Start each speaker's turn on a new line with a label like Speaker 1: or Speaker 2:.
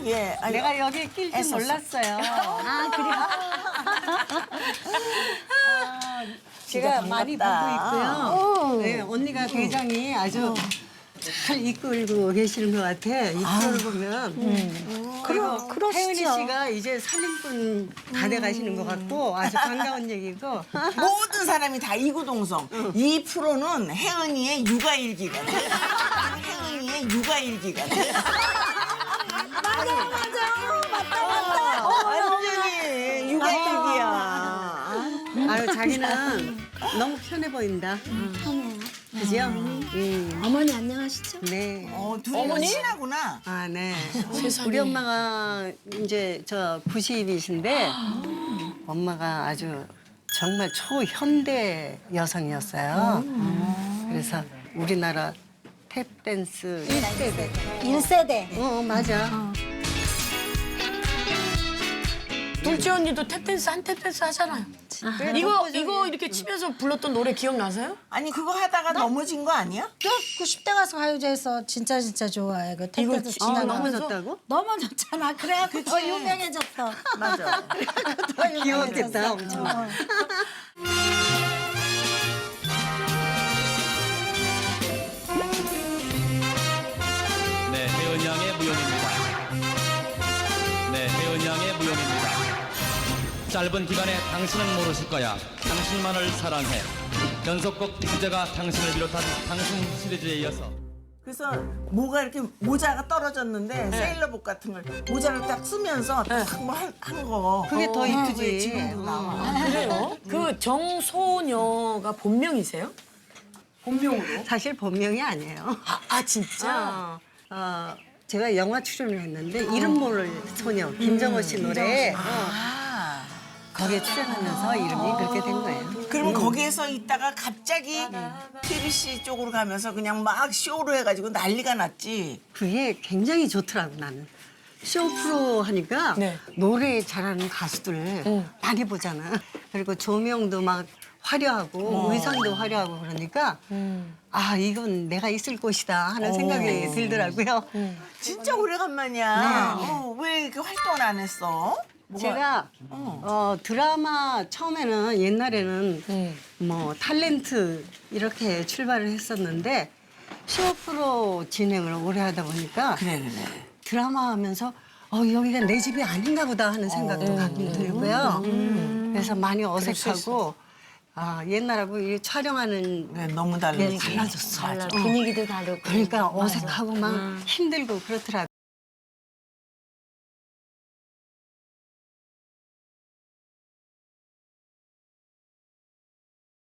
Speaker 1: 예. 아니,
Speaker 2: 내가 여기 낄 줄
Speaker 1: 애썼어.
Speaker 2: 몰랐어요.
Speaker 3: 아, 그래요?
Speaker 2: 제가 많이 보고
Speaker 1: 반갑다.
Speaker 2: 있고요. 네, 언니가 대장이 아주 잘 이끌고 계시는 것 같아. 이 프로를 보면. 그리고
Speaker 3: 그러시죠.
Speaker 2: 혜은이 씨가 이제 살림꾼 다 돼가시는 것 같고 아주 반가운 얘기고.
Speaker 1: 모든 사람이 다 이구동성. 이 프로는 혜은이의 육아일기 같아. 혜은이의 육아일기 같아. 맞다. 완전히 육아일기야.
Speaker 2: 아유 자기는 너무 편해 보인다.
Speaker 3: 편해요.
Speaker 2: 그죠?
Speaker 3: 어머니 안녕하시죠?
Speaker 2: 네.
Speaker 1: 둘이 어머니? 친하구나.
Speaker 2: 아, 네. 우리 엄마가 이제 저 90이신데 엄마가 아주 정말 초현대 여성이었어요. 그래서 우리나라 탭댄스 1세대.
Speaker 3: 1세대.
Speaker 2: 맞아.
Speaker 4: 둘째 언니도 탭댄스 한 탭댄스 하잖아요. 이거 이렇게 치면서 불렀던 노래 기억나세요?
Speaker 1: 아니 그거 하다가 넘어진 거 아니야?
Speaker 5: 저 90대 가서 가요제에서 진짜 좋아해. 그 택배도 지나가.
Speaker 2: 넘어졌다고?
Speaker 5: 넘어졌잖아. 그래야 더 유명해졌어.
Speaker 1: 맞아.
Speaker 5: 더
Speaker 2: 귀여웠겠다,
Speaker 5: 유명해졌어.
Speaker 2: 엄청.
Speaker 6: 네, 혜은 양의 무용입니다. 네, 혜은 양의 무용입니다. 짧은 기간에 당신은 모르실 거야. 당신만을 사랑해. 연속곡 주제가 당신을 비롯한 당신 시리즈에 이어서
Speaker 1: 그래서 뭐가 이렇게 모자가 떨어졌는데 세일러복 같은 걸 모자를 딱 쓰면서 딱뭐한 거.
Speaker 2: 그게 더 이쁘지.
Speaker 1: 지금도 나와.
Speaker 4: 그래요? 그 정소녀가 본명이세요? 본명으로?
Speaker 2: 사실 본명이 아니에요.
Speaker 4: 아 진짜?
Speaker 2: 제가 영화 출연을 했는데 이름 모를 소녀 김정호 씨 노래 거기에 출연하면서 이름이 그렇게 된 거예요.
Speaker 1: 그러면 거기에서 있다가 갑자기 TBC 쪽으로 가면서 그냥 막 쇼로 해가지고 난리가 났지.
Speaker 2: 그게 굉장히 좋더라고 나는. 쇼 프로 하니까
Speaker 4: 네.
Speaker 2: 노래 잘하는 가수들 많이 보잖아. 그리고 조명도 막 화려하고 의상도 화려하고 그러니까 아 이건 내가 있을 곳이다 하는 생각이 들더라고요.
Speaker 1: 진짜 오래간만이야. 왜 이렇게 활동을 안 했어?
Speaker 2: 제가 드라마 처음에는 옛날에는 뭐 탤런트 이렇게 출발을 했었는데 쇼 프로 진행을 오래 하다 보니까
Speaker 1: 그래.
Speaker 2: 드라마 하면서 여기가 내 집이 아닌가 보다 하는 생각도 가끔 들고요. 그래서 많이 어색하고 옛날하고 이 촬영하는
Speaker 1: 그래, 너무
Speaker 2: 게
Speaker 1: 달라지.
Speaker 2: 달라졌어.
Speaker 3: 분위기도 다르고.
Speaker 2: 그러니까 어색하고 막 힘들고 그렇더라고요.